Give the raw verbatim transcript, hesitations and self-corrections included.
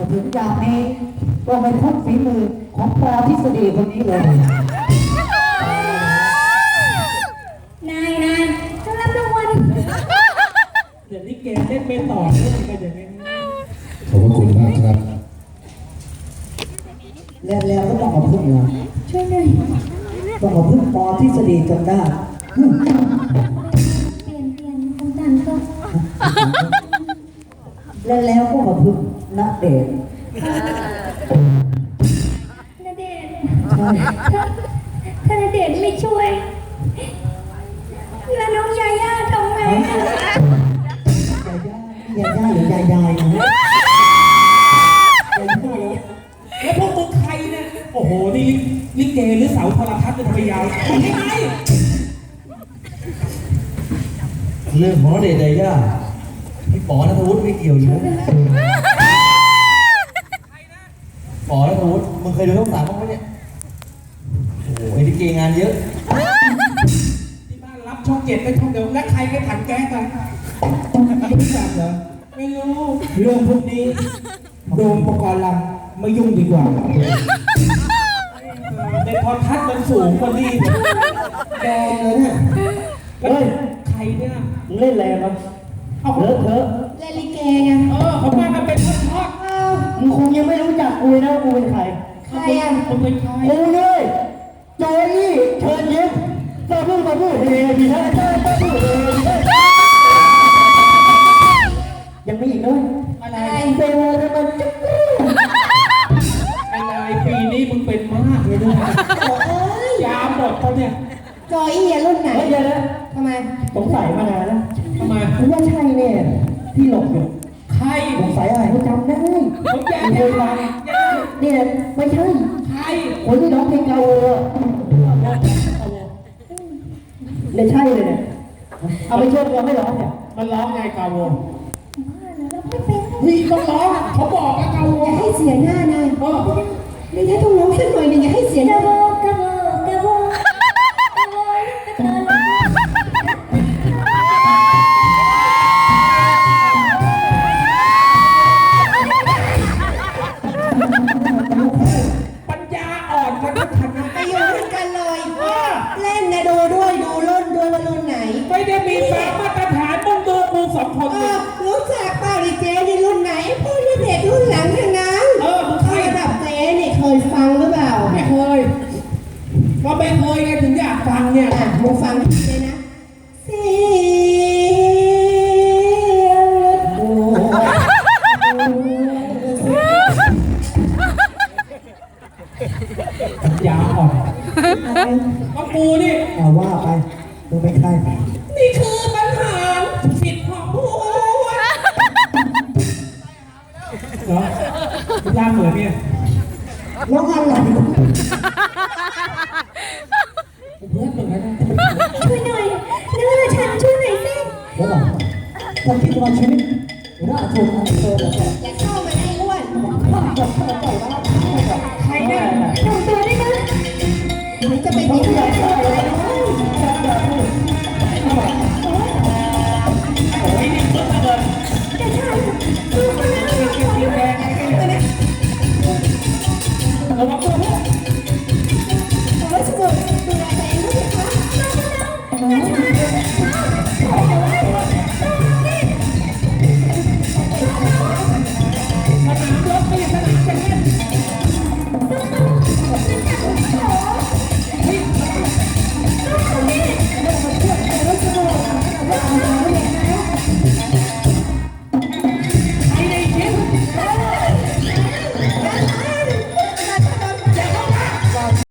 ถึงอย่างนี้ก็ไม่พ้นฝีมือของปอทฤษฎีคนนี้เลยนายนายจะรับรางวัลเดี๋ยวนี้เกมเล่นไม่ต่อเนื่องกันอย่างนี้ขอบคุณมากครับแล้วแล้วก็ต้องเอาพึ่งนะช่วยหน่อยต้องเอาพึ่งปอทฤษฎีจนได้เปลี่ยนเปลี่ยนคำสั่งก็แล้วแล้วก็มาพึ่งณเดชน์ณเดชน์ถ้าณเดชน์ไม่ช่วยแล้วน้องยาย่าทำไงยาย่าหรือยายายนะแล้วพวกมึงใครเนี่ยโอ้โหนี่ลิเกหรือเสาโทรทัศน์จะทำไมยาวยังไงเรื่องของเดชยายาพี่ป๋อณัฐวุฒิไม่เกี่ยวอยู่ป๋อณัฐวุฒิมึงเคยดูช่องสามบ้างไหมเนี่ยโอ้โหไอ้ลิเกงานเยอะที่บ้านรับช่องเจ็ดไปช่องเดียวและใครไปถังแก๊สกันไม่รู้จักเหรอไม่รู้เรื่องพวกนี้โดมประกรณ์ลำไม่ยุ่งดีกว่าในพอทัศน์มันสูงกว่านี้แดงเลยเนี่ยเฮ้ยใครเนี่ยเล่นแรงมั้งเอาเถอะเถอะเล่นลิเกไงเออเขามากันเป็นทอดๆมึงคงยังไม่รู้จักกูนะกูเป็นใครใครอ่ะมึงเป็นใครกูเลยโจยี่เชิญยิ้มจะพูดมาพูดเฮดีนะเจ้าจะพูดเฮดีนะยังมีอีกด้วยอะไรเซลล์มันจะอะไรปีนี้มึงเป็นมากเลยด้วยยาหมดเขาเนี่ยจอยอี้รุ่นไหนเดี๋ยวนะทำไมสงสัยมานานแล้วทำไมคุณว่าใช่เนี่ยที่หลบอยู่ใครสงสัยอะไรผมจำได้ผมอยากจะฟังเนี่ยไม่ใช่ใครคนที่ร้องเพลงเก่าเลยเนี่ยใช่เลยเนี่ยเอาไปเชื่อมเราไม่ร้องเนี่ยมันร้องไงกาวงไม่เป็นนี่ต้องร้องเขาบอกแล้วกาวงอย่าให้เสียหน้านายเออไม่ได้ต้องร้องสักหน่อยนึงอย่าให้เสียหน้ากระโบกระโบกระโบกระโบกระโบปัญญาอ่อนกันทุกคนไปอยู่ด้วยกันเลยเล่นนะดูด้วยดูรุ่นด้วยว่ารุ่นไหนไม่ได้มีสามมาตรฐานมึงดูกูสองคนรู้จักเปล่าดิเจนี่รุ่นไหนพวกนี้เด็กรุ่นหลังทั้งนั้นเออมึงใครระดับเจนี่เคยฟังหรือเปล่าไม่เคยก็ไม่เคยไงถึงอยากฟังเนี่ยอ่ะมึงฟังเลยนะเสียงรถบัวยาอ่อนก็กูนี่เอาว่าไปมึงเป็นใครนี่คือปัญหาสิทธิ์ของกูเหรอคุณย่าเหมือนเนี่ยร้องอะไรเพื่อนเหมือนกันช่วยหน่อยเนื้อฉันช่วยหน่อยสิเดี๋ยวก่อนถ้าคิดว่าชีวิตน่าชมอันเธอเลยอย่าเข้ามาในอ้วนใครเนี่ยทำตัวได้ไหมหรือจะเป็นที่ไหน